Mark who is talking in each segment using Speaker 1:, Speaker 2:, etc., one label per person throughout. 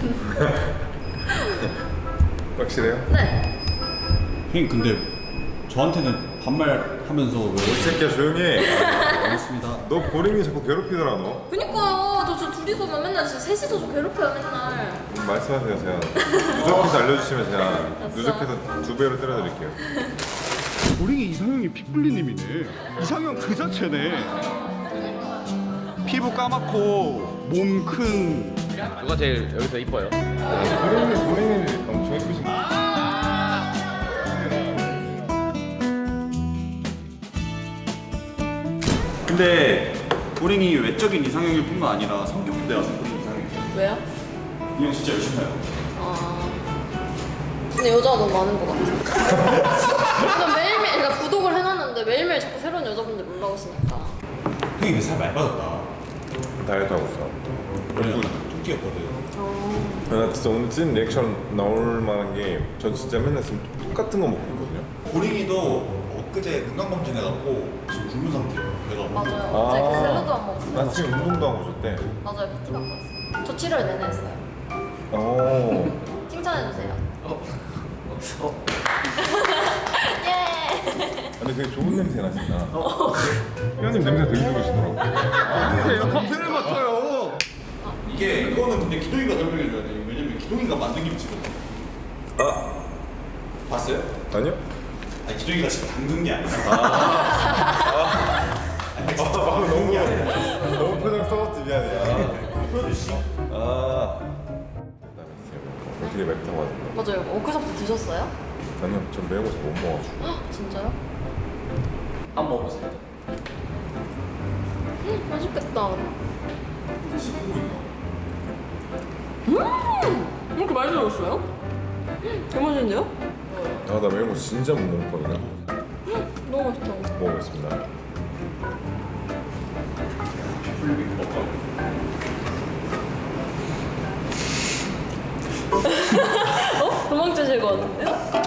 Speaker 1: 확실해요?
Speaker 2: 네.
Speaker 3: 형님 근데 저한테는 반말하면서 왜?
Speaker 1: 이 새끼야 조용히 해.
Speaker 3: 알겠습니다.
Speaker 1: 너 보링이 자꾸 괴롭히더라 너.
Speaker 2: 그니까요. 저 둘이서만 맨날 진짜 셋이서 저 괴롭혀요 맨날.
Speaker 1: 말씀하세요 제가 누적해서 알려주시면 제가
Speaker 2: 알았어.
Speaker 1: 누적해서 2배로 때려드릴게요.
Speaker 4: 보링이 이상형이 핏불리님이네. 이상형 그 자체네. 피부 까맣고 몸 큰.
Speaker 5: 누가 제일 여기서 이뻐요?
Speaker 1: 보링이 엄청 예쁘신 거.
Speaker 3: 근데 보링이 외적인 이상형일 뿐만 아니라 성격도 내가 보링 이상형.
Speaker 2: 왜요?
Speaker 3: 이 형 진짜 열심히 해요.
Speaker 2: 근데 여자가 너무 많은 것 같아. 나 매일매일 그러니까 구독을 해놨는데 매일매일 자꾸 새로운 여자분들 올라오시니까.
Speaker 3: 형이 살 많이 빠졌다.
Speaker 1: 다이어트 하고 있어.
Speaker 3: 원래 뚱기였거든.
Speaker 1: 나 진짜 오늘 찐 리액션 나올 만한 게 전 진짜 맨날 지금 똑같은 거 먹고 있거든요.
Speaker 3: 보링이도 엊그제 건강검진 해갖고 지금 굶은 상태예요. 배가
Speaker 2: 맞아요. 어제 그 샐러드 안 먹었어요.
Speaker 1: 나 지금 운동도 하고 오셨대.
Speaker 2: 맞아요. PT 받고 왔어요. 저 7월 내내 했어요.
Speaker 1: 오.
Speaker 2: 칭찬해주세요. 예.
Speaker 1: 근데 되게 좋은 냄새 나신다. 회원님 냄새 되게 좋으시더라고.
Speaker 4: 아니에요. 감태를 맡아요.
Speaker 3: 이게 이거는 근데 기동이가 설명해줘야 돼요. 왜냐면 기동이가 만든 김치거든.
Speaker 1: 아
Speaker 3: 봤어요?
Speaker 1: 아니요?
Speaker 3: 아니 기동이가 지금 담근 게 아니라.
Speaker 1: 너무 표정 써봤지 미안해. 아. 되게 맵다고 하던데.
Speaker 2: 맞아요. 워크숍도 드셨어요?
Speaker 1: 아니요, 전 매운 거 잘 못 먹어가지고.
Speaker 2: 헉, 진짜요?
Speaker 5: 한번 먹어보세요.
Speaker 2: 맛있겠다. 이렇게 많이 들었어요? 개맛있는데요?
Speaker 1: 아, 나 매운 거 진짜 못 먹거든요.
Speaker 2: 너무 맛있다.
Speaker 1: 먹어보겠습니다.
Speaker 2: 도망치실 것 같은데요?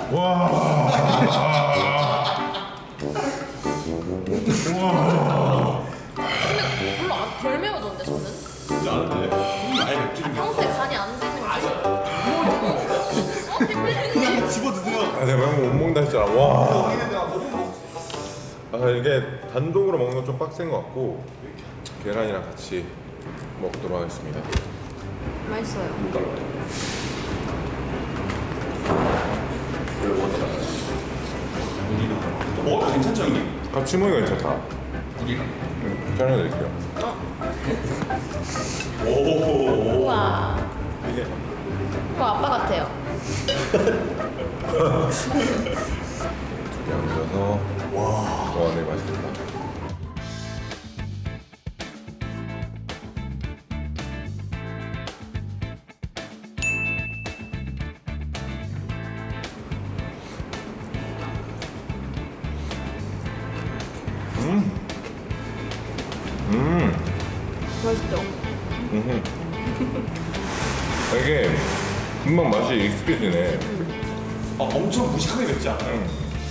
Speaker 2: 근데 별로 덜 매워졌는데 저는?
Speaker 3: 나는데 아예 맵지.
Speaker 2: 평소에 간이 안 되는 거지? 어? 피플리님?
Speaker 3: 집어 드세요.
Speaker 1: 아, 내가 매운 거 못 먹는다 했잖아. 와. 아, 이게 단독으로 먹는 건 좀 빡센 것 같고 계란이랑 같이 먹도록 하겠습니다.
Speaker 2: 맛있어요.
Speaker 3: 먹어도 괜찮죠 형님?
Speaker 1: 같이 먹으니까 괜찮다.
Speaker 3: 우리가.
Speaker 1: 촬영해드릴게요.
Speaker 3: 오.
Speaker 2: 우와.
Speaker 1: 이게
Speaker 2: 아빠 같아요.
Speaker 1: 두개 얹어서 와, 네 맛있겠다.
Speaker 2: 맛있죠?
Speaker 1: 이게 금방 맛이 익숙해지네.
Speaker 3: 아 엄청 무식하게 맵지 않아요?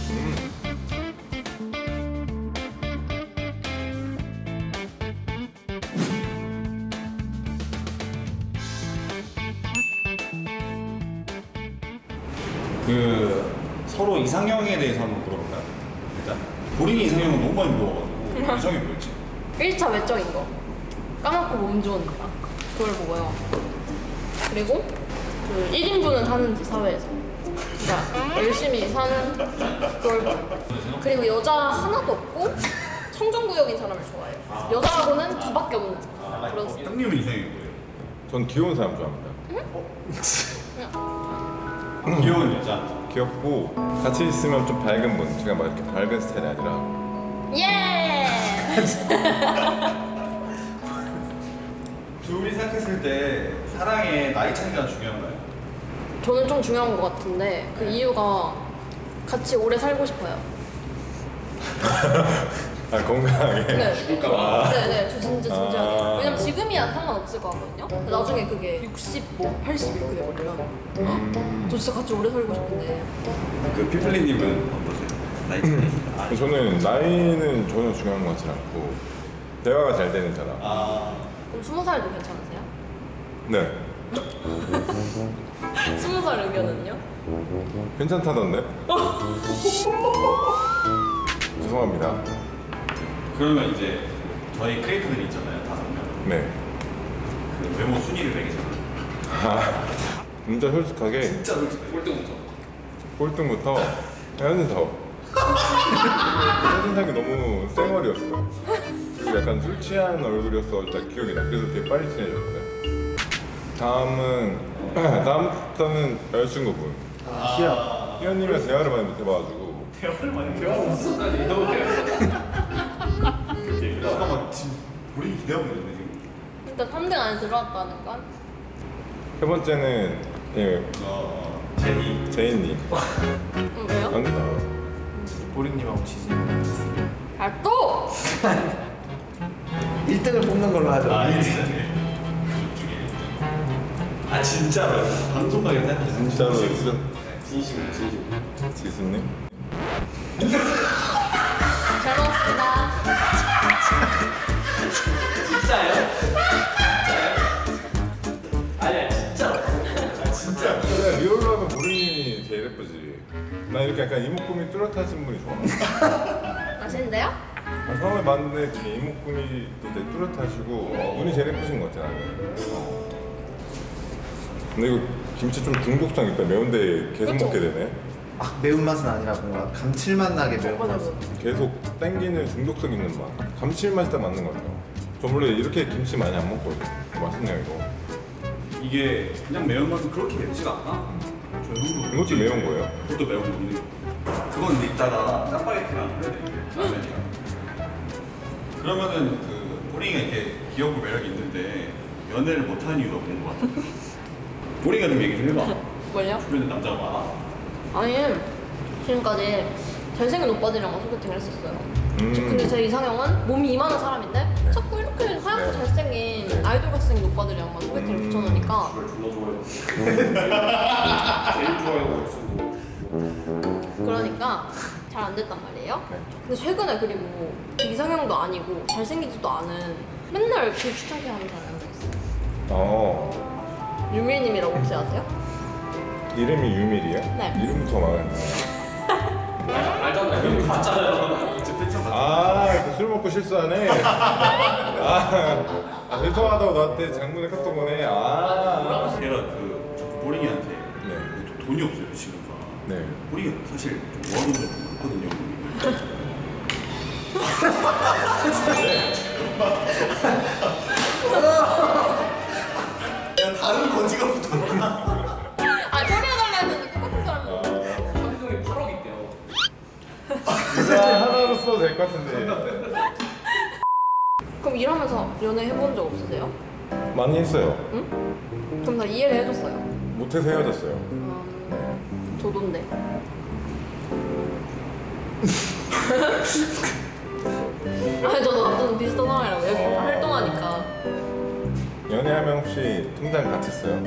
Speaker 3: 그 서로 이상형에 대해서 한번 물어볼까요? 일단 본인이 이상형은 너무 많이 물어봐가지고 이상형이 뭐였지?
Speaker 2: 1차 외적인 거. 까맣고 몸 좋으니까. 그걸 보고요. 그리고 그 1인분은 사는지 사회에서. 그러니까 열심히 사는 그걸 보고. 그리고 여자 하나도 없고 청정구역인 사람을 좋아해요. 여자하고는 두밖에 없는 그런 스타일.
Speaker 3: 형님은 이상형이 뭐예요?
Speaker 1: 전 귀여운 사람 좋아합니다.
Speaker 3: 귀여운 여자.
Speaker 1: 귀엽고 같이 있으면 좀 밝은 분. 제가 막 이렇게 밝은 스타일이 아니라.
Speaker 2: 예!
Speaker 3: 둘이 생각했을 때 사랑에 나이 차이가 중요한가요?
Speaker 2: 저는 좀 중요한 것 같은데 그 이유가 같이 오래 살고 싶어요.
Speaker 1: 아, 건강하게.
Speaker 2: 네. 네네. 저 진짜 진지하게.
Speaker 1: 아.
Speaker 2: 왜냐면 지금이야 상관없을 것 같거든요. 근데 나중에 그게 60, 80 이렇게 돼버리면 저 진짜 같이 오래 살고 싶은데.
Speaker 3: 그 피플리님은 어떠세요? 나이 차이.
Speaker 1: 저는 나이는 전혀 중요한 것 같지 않고 대화가 잘 되는 사람.
Speaker 3: 아
Speaker 2: 그럼 20살도 괜찮으세요?
Speaker 1: 네.
Speaker 2: 20살 의견은요?
Speaker 1: 괜찮다던데? 죄송합니다.
Speaker 3: 그러면 이제 저희 크리에이터들이 있잖아요, 5명.
Speaker 1: 네.
Speaker 3: 그 외모 순위를 매기잖아요.
Speaker 1: 진짜 솔직하게
Speaker 3: 진짜 솔직히.
Speaker 5: 꼴등부터.
Speaker 1: 꼴등부터 현석. 현석이 너무 쌩얼이었어. 그리고 약간 술 취한 얼굴이어서 딱 기억이 나. 그래서 되게 빨리 친해졌거든. 다음부터는 여자친구분. 희연님이랑 대화를 많이 못해봐가지고.
Speaker 3: 잠깐만, 지금 우리 기대하고 있는데 지금.
Speaker 2: 그러니까 3등 안에 들어왔다는 건?
Speaker 1: 세 번째는 예,
Speaker 3: 제니.
Speaker 1: 제인님.
Speaker 2: 왜요?
Speaker 1: 아니다.
Speaker 5: 보리님하고 지수.
Speaker 2: 아 또!
Speaker 6: 1등을 뽑는 걸로 하죠.
Speaker 3: 아 진짜로 방송국에 생각해
Speaker 1: 진짜로 진짜
Speaker 5: 진심으로 진심.
Speaker 1: 지수님.
Speaker 2: 잘 먹었습니다.
Speaker 5: 진짜요? 아니야 진짜로.
Speaker 1: 진짜 리얼로 하면 보리님이 제일 예쁘지. 나 이렇게 약간 이목구미 뚜렷하신 분이 좋아.
Speaker 2: 맛있는데요?
Speaker 1: 처음에 봤는데 되게 이목구미 되게 뚜렷하시고 눈이 제일 예쁘신 것 같아 나는. 근데 이거 김치 좀 중독성 있다. 매운데 계속
Speaker 2: 그쵸?
Speaker 1: 먹게 되네.
Speaker 6: 막 매운맛은 아니라 뭔가 감칠맛 나게 매운맛.
Speaker 2: 맞아.
Speaker 1: 계속 땡기는 중독성 있는 맛. 감칠맛이 딱 맞는 것 같아요. 저 원래 이렇게 김치 많이 안 먹거든요. 맛있네요 이거.
Speaker 3: 이게 그냥 매운맛은 그렇게 맵지가 않아. 저 형도
Speaker 1: 이것도 매운 거예요?
Speaker 3: 그것도 매운 건데 그건 근데 이따가 짜파게티랑 해야 돼. 라면이랑. 그러면은 그 보링이가 이렇게 귀엽고 매력이 있는데 연애를 못하는 이유가 뭔 것 같아? 보링이가 좀 얘기 좀 해봐.
Speaker 2: 뭘요?
Speaker 3: 주변에 남자가 많아?
Speaker 2: 아니 지금까지 잘생긴 오빠들이랑 소개팅을 했었어요.
Speaker 1: 음.
Speaker 2: 근데 제 이상형은 몸이 이만한 사람인데 자꾸 이렇게 하얗고
Speaker 1: 네.
Speaker 2: 잘생긴 아이돌같이 생긴 오빠들이랑만 소개팅을 붙여놓으니까
Speaker 5: 그걸 존나 좋아해요. 제일 좋아하는 거 쓰고.
Speaker 2: 그러니까 잘 안 됐단 말이에요.
Speaker 1: 네.
Speaker 2: 근데 최근에 그리고 이상형도 아니고 잘생기지도 않은 맨날 그 추천캐 하는 사람이 한 명 있어요. 유밀님이라고 혹시 아세요?
Speaker 1: 이름이 유밀이에요?
Speaker 2: 네.
Speaker 1: 이름부터 말하는
Speaker 5: 알잖아요. 형 봤잖아요. 이제 팬처럼
Speaker 1: 아, 술 먹고 실수하네. 죄송하다고 나한테 장문에 카톡 보내. 아.
Speaker 3: 걔가 그 보링이한테
Speaker 1: 네.
Speaker 3: 돈이 없어요 친구가.
Speaker 1: 네.
Speaker 3: 보링이 사실 좀 모아놓은 게 많거든요. 야 다른 거지가 붙었나?
Speaker 2: 아 처리해달라 했는데 똑같은 사람.
Speaker 5: 현금이 8억 있대요.
Speaker 1: 진짜 하나로 써도 될 것 같은데.
Speaker 2: 그럼 일하면서 연애 해본 적 없으세요?
Speaker 1: 많이 했어요.
Speaker 2: 응? 그럼 다 이해를 해줬어요.
Speaker 1: 못해서 헤어졌어요.
Speaker 2: 저도인데. 아니 저도 남자는 비슷한 상황이라고 여기 활동하니까.
Speaker 1: 연애하면 혹시 통장 같이 써요?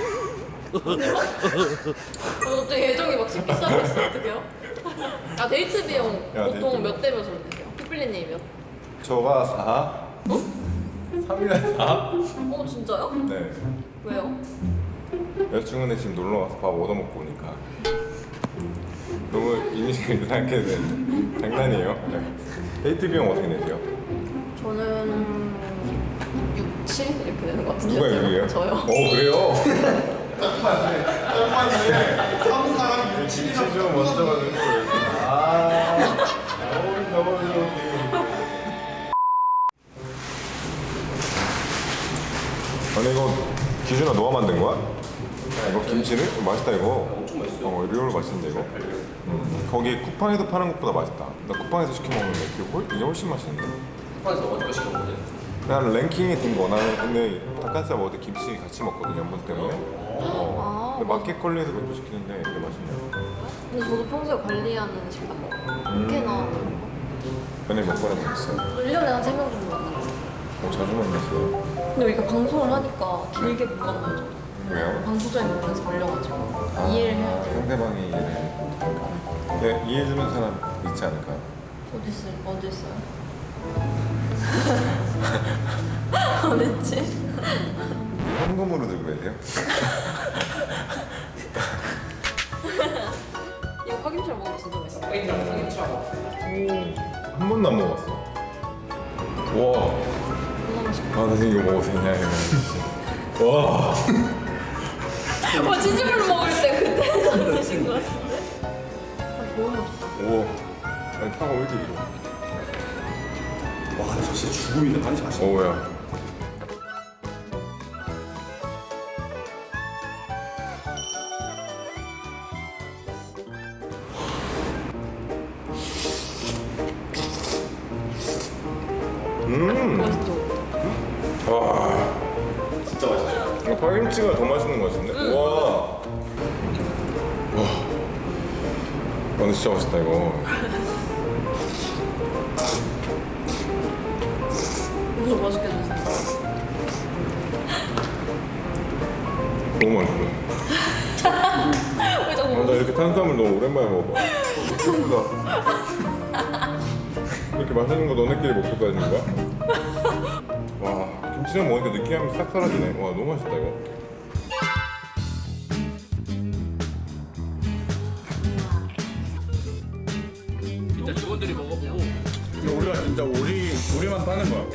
Speaker 2: 갑자기 애정이 막 식기 시작했어. 어떡해요? 아 데이트 비용
Speaker 1: 야,
Speaker 2: 보통
Speaker 1: 데이트
Speaker 2: 몇 대 몇으로 내세요? 피플리님이 몇?
Speaker 1: 저가 4? 3이나 4?
Speaker 2: 어 진짜요?
Speaker 1: 네.
Speaker 2: 왜요?
Speaker 1: 여자친구네 집 놀러 와서 밥 얻어먹고 오니까. 너무 이미지가 이상하게 된 장난이에요. 네. 데이트 비용 어떻게 내세요?
Speaker 2: 저는 6, 7 이렇게 되는 것 같은데.
Speaker 1: 누가 6이에요?
Speaker 2: 저요.
Speaker 1: 그래요?
Speaker 3: 한국 사람이
Speaker 1: 김치 좀 먼저 가는 걸. 너무 아니 이거 기준아 너가 만든 거야? 이거 김치를? 맛있다 이거.
Speaker 5: 엄청 맛있어요.
Speaker 1: 리얼 맛있는데 이거. 거기 쿠팡에서 파는 것보다 맛있다. 나 쿠팡에서 시켜 먹는데 이게 훨씬 맛있는데.
Speaker 5: 쿠팡에서 어디까지 시켜 먹어요?
Speaker 1: 난 랭킹이 든 거. 나는 근데 닭가슴살 먹을 때 김치 같이 먹거든 연분 때문에. 근데 마켓컬리에서 그것도 시키는데 되게 맛있네요.
Speaker 2: 근데 저도 평소에 관리하는 식단 먹어요. 꽤나
Speaker 1: 연애 몇 번에 먹었어요?
Speaker 2: 1년에 한 3명 정도 만나요.
Speaker 1: 자주 만났어요.
Speaker 2: 근데 이렇게 방송을 하니까 길게 못 만나요. 저도.
Speaker 1: 왜요?
Speaker 2: 방송적인 부분에서 걸려가지고 이해를 해야 돼요.
Speaker 1: 상대방이 이해를 못하니까. 네, 이해해주는 사람 있지 않을까요?
Speaker 2: 어디 있어요? 어딨지?
Speaker 1: 현금으로 들고 계세요?
Speaker 2: 이거 파김치랑 먹으면 진짜 맛있어.
Speaker 1: 한 번도 안 먹어봤어. 와.
Speaker 2: 너무 맛있겠다.
Speaker 1: 아, 나 지금 이거 먹어도 되냐, 이거. 와.
Speaker 2: 치즈볼 먹을 때 그때 드신 거 같은데? 너무 맛있다.
Speaker 1: 오. 아니, 파가 왜 이렇게 길어?
Speaker 4: 와, 저 진짜 죽음인데 간지 맛있어.
Speaker 1: 어우야.
Speaker 2: 맛있죠?
Speaker 1: 와.
Speaker 3: 진짜 맛있어요.
Speaker 1: 이거 파김치가 더 맛있는 것 같은데? 와. 와. 근데 진짜 맛있다, 이거.
Speaker 2: 너무 맛있겠네 진짜.
Speaker 1: 너무 맛있어.
Speaker 2: 왜 자꾸
Speaker 1: 나 이렇게 탄수화물 너무 오랜만에 먹어봐. 예쁘다. 이렇게 맛있는 거 너네끼리 먹고 다니는 거야? 와, 김치랑 먹으니까 느끼함이 싹 사라지네. 와, 너무 맛있다 이거.
Speaker 5: 진짜 직원들이 먹어보고
Speaker 4: 이거 우리가 진짜 우리만 파는 거야.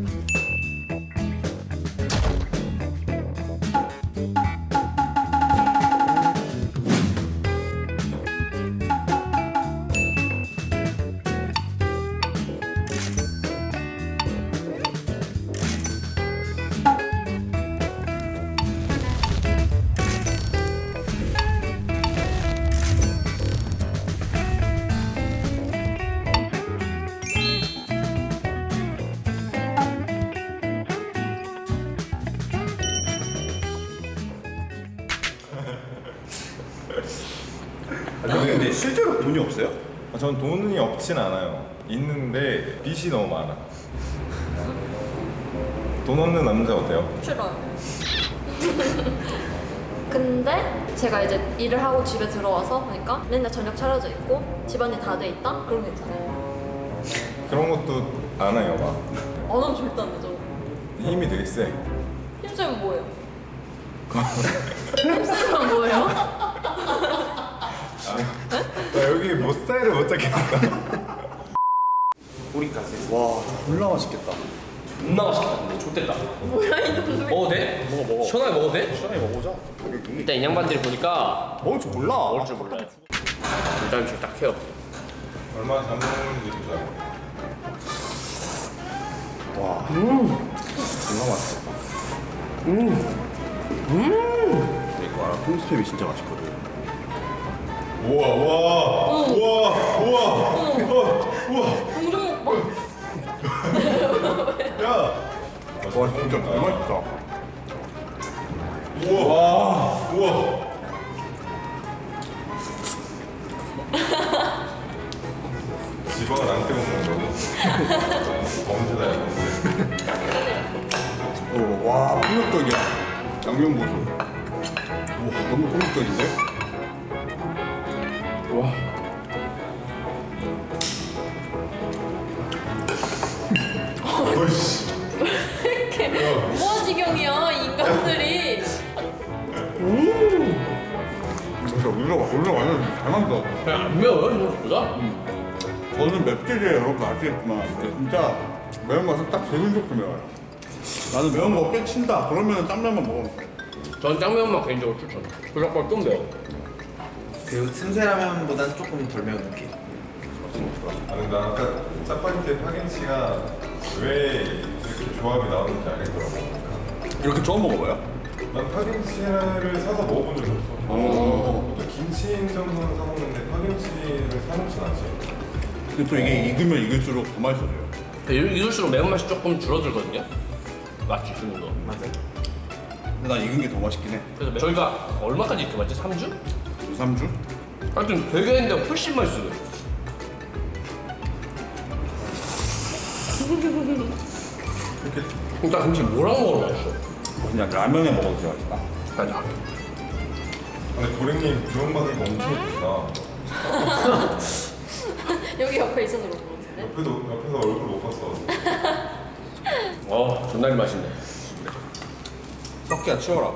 Speaker 4: 아니 근데 실제로 돈이 없어요?
Speaker 1: 전 돈이 없진 않아요. 있는데 빚이 너무 많아. 돈 없는 남자 어때요?
Speaker 2: 싫어요. 근데 제가 이제 일을 하고 집에 들어와서 보니까 맨날 저녁 차려져 있고 집안일 다 돼 있다? 그럼 괜찮아요.
Speaker 1: 그런 것도 안 해요, 막.
Speaker 2: 안 하면 절대 안 되죠.
Speaker 1: 힘이 되게 세.
Speaker 2: 힘쓰면 뭐예요? 힘쓰면 뭐예요?
Speaker 1: 나 여기 뭐 스타일을 못 잡겠어.
Speaker 4: 와, 졸라 맛있겠다.
Speaker 5: 존나 맛있겠다. 근데 좋댔다.
Speaker 2: 뭐야 이 동네.
Speaker 5: 먹어도 돼? 먹어. 시원하게 먹어도 돼?
Speaker 4: 시원하게 먹어보자.
Speaker 5: 일단 이 양반들이 보니까
Speaker 4: 먹을 줄 몰라.
Speaker 5: 먹을 줄 몰라요. 일단 지금 딱 해요.
Speaker 1: 얼마나 잘 먹는지 보자.
Speaker 4: 와, 졸라 맛있겠다. 이거 통스팸이 진짜 맛있거든.
Speaker 1: 우와, 우와, 우와, 우와, 우와.
Speaker 2: 공중 먹방.
Speaker 1: 야.
Speaker 4: 와, 진짜 너무 맛있다.
Speaker 1: 우와, 우와. 지방을 안 떼고 먹는 거지. 범죄다, 범죄.
Speaker 4: 와, 폭력적이야. 양념 보소. 와, 너무 폭력적인데? 와.
Speaker 1: 어이씨.
Speaker 2: 무아지경이야 이 인간들이.
Speaker 4: 진짜 우리가 완전 잘 만들어.
Speaker 5: 그냥 안 매워요 생각보다.
Speaker 4: 저는 맵찔이에요, 여러분 아시겠지만 진짜 매운맛은 딱 제일 좋게 매워요. 나는 매운 거 꽤 친다. 그러면 짬라면 먹으면 돼.
Speaker 5: 전 짱매운맛 개인적으로 추천. 그래서 좀 매워.
Speaker 6: 그 틈새라면보다는 조금 덜 매운 느낌.
Speaker 1: 아, 근데 나 아까 짜파게티 파김치가 왜 이렇게 조합이 나오는지 알겠더라고.
Speaker 4: 이렇게 처음 먹어봐요?
Speaker 1: 난 파김치를 사서 먹어본 적이 없어. 보통 김치 정도는 사 먹는데 파김치를 사 먹진 않지.
Speaker 4: 근데 또 이게 익으면 익을수록 더 맛있어져요.
Speaker 5: 이럴수록 매운맛이 조금 줄어들거든요. 맞지 주는 거.
Speaker 6: 맞아요.
Speaker 4: 근데 난 익은 게 더 맛있긴 해.
Speaker 5: 그래서 저희가 얼마까지 이렇게 맞지? 3주?
Speaker 4: 2, 3주?
Speaker 5: 하여튼 되게 했는데 훨씬 맛있어요. 일단 김치 뭐랑 먹어도 맛있어.
Speaker 4: 그냥 라면에 먹어도 되게 맛있다.
Speaker 5: 맞아.
Speaker 1: 근데 도랭님 구원받은 거 엄청 예쁘다.
Speaker 2: 여기 옆에 있어서 그런 거 같은데.
Speaker 1: 옆에서 얼굴 못 봤어.
Speaker 5: 존나 맛있네.
Speaker 3: 석기야 치워라.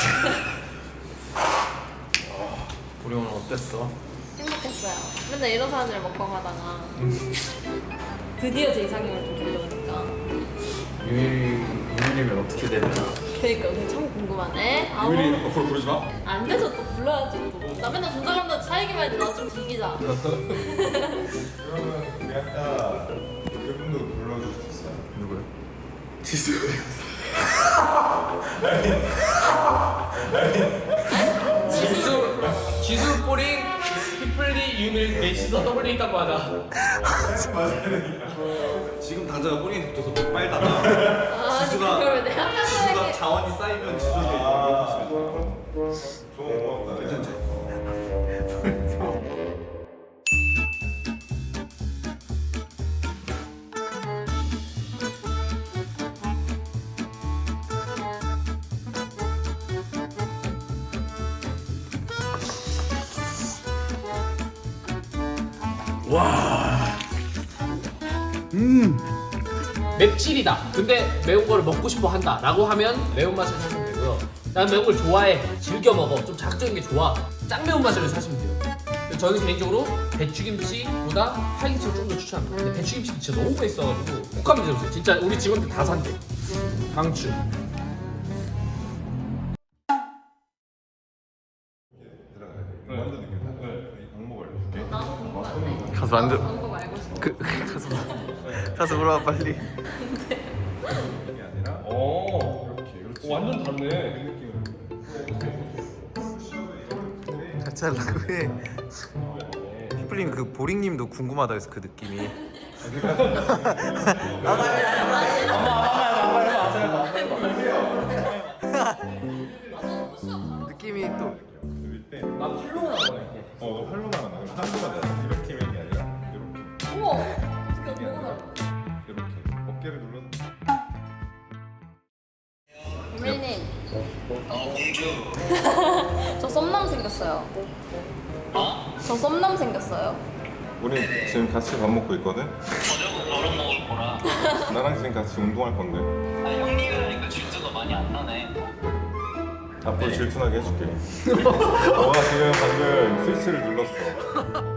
Speaker 5: 우리 오늘 어땠어?
Speaker 2: 행복했어요. 맨날 이런 사람들 먹방하다가 드디어 제 이상형을 좀 들려보니까
Speaker 5: 유민이면 어떻게 되나?
Speaker 2: 그러니까 그게 참 궁금하네. 아우,
Speaker 3: 유민이 앞으로 부르지 마.
Speaker 2: 안 돼서 또 불러야지 또. 나 맨날 조절한다 차이기만 해도 나 좀 즐기자.
Speaker 1: 그러면 우리 아까 그분도 불러줄 수 있어요?
Speaker 5: 누구요? 지수 뽀링 피플리 유밀 넷이서 더블링 있다고 하자.
Speaker 3: 지금 당장 꼬리에 붙어서 빨다가
Speaker 2: 아,
Speaker 3: 지수가
Speaker 2: 그걸 왜 내가
Speaker 3: 지수가
Speaker 2: 하는
Speaker 3: 자원이 쌓이면 지수가
Speaker 1: 좋은 고맙다.
Speaker 3: 괜찮지?
Speaker 5: 맵찔이다. 근데 매운 거를 먹고 싶어 한다. 라고 하면 매운맛을 사시면 되고요. 난 매운 걸 좋아해. 즐겨 먹어. 좀 자극적인 게 좋아. 짱 매운맛을 사시면 돼요. 근데 저는 개인적으로 배추김치보다 파김치를 좀 더 추천합니다. 근데 배추김치 진짜 너무 맛있어가지고 꼭 한번 드셔보세요. 진짜 우리 직원들 다 산대. 강추.
Speaker 1: 들어가야 돼. 완전 느낌 다. 이 방법 알려줄게.
Speaker 2: 나도 궁금하네.
Speaker 6: 가서 만들.
Speaker 2: 방법 알고 싶어.
Speaker 6: 가서 물어봐 빨리.
Speaker 1: 이게 아니라
Speaker 5: 오.
Speaker 1: 이렇게
Speaker 5: 완전 다르네.
Speaker 1: 그 느낌으로.
Speaker 6: 같이 하려고 해. 피플님 그 보링님도 궁금하다 해서 그 느낌이. 느낌이 또.
Speaker 1: 때.
Speaker 5: 나 팔로우 나가네.
Speaker 1: 너 팔로만 하나. 팔로만 나. 이렇게 하는 게 아니라 이렇게.
Speaker 2: 우와. 어떻게 뭐가 다르다.
Speaker 1: 이렇게 어깨를 눌러서.
Speaker 2: 유밀님. 공주. 저 썸남 생겼어요. 저 썸남 생겼어요.
Speaker 1: 우리 지금 같이 밥 먹고 있거든.
Speaker 7: 저녁은 너랑 먹을 거라.
Speaker 1: 나랑 지금 같이 운동할 건데.
Speaker 7: 아, 형님이라니까 질투가 많이 안 나네.
Speaker 1: 앞으로 질투나게 해줄게. 너가 지금 방금 스위치를 눌렀어.